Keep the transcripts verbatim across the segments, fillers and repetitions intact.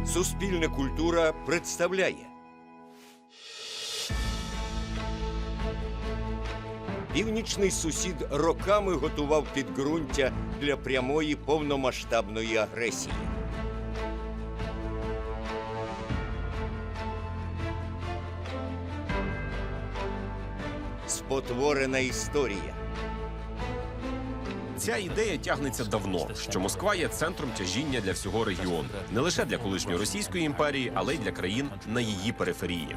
Суспільна культура представляє північний сусід роками готував підґрунтя для прямої повномасштабної агресії. Спотворена історія. Ця ідея тягнеться давно, що Москва є центром тяжіння для всього регіону. Не лише для колишньої Російської імперії, але й для країн на її периферії.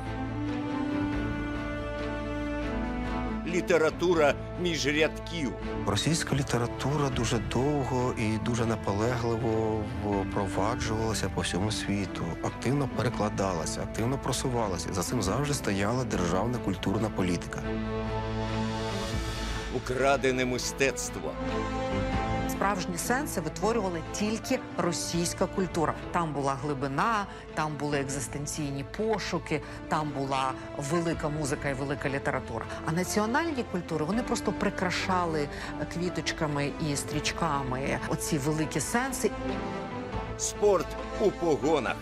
Література між рядків. Російська література дуже довго і дуже наполегливо впроваджувалася по всьому світу, активно перекладалася, активно просувалася. За цим завжди стояла державна культурна політика. Украдене мистецтво. Справжні сенси витворювала тільки російська культура. Там була глибина, там були екзистенційні пошуки, там була велика музика і велика література. А національні культури, вони просто прикрашали квіточками і стрічками оці великі сенси. Спорт у погонах.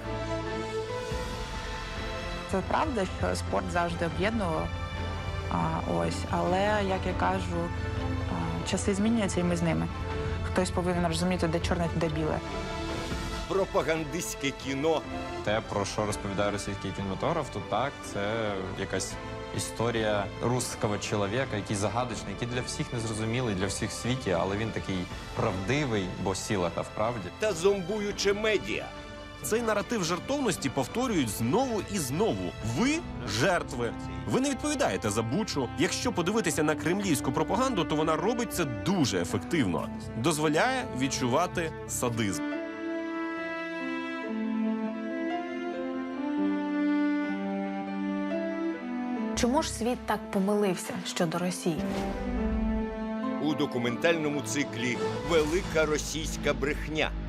Це правда, що спорт завжди об'єднував. А, ось, але, як я кажу, а, часи змінюються і ми з ними. Хтось повинен розуміти, де чорне, де біле. Пропагандистське кіно. Те, про що розповідає російський кінематограф, то так, це якась історія русского чоловіка, який загадочний, який для всіх незрозумілий, для всіх в світі, але він такий правдивий, бо сила та в правді. Та зомбуюче медіа. Цей наратив жертовності повторюють знову і знову. Ви – жертви. Ви не відповідаєте за Бучу. Якщо подивитися на кремлівську пропаганду, то вона робить це дуже ефективно. Дозволяє відчувати садизм. Чому ж світ так помилився щодо Росії? У документальному циклі «Велика російська брехня».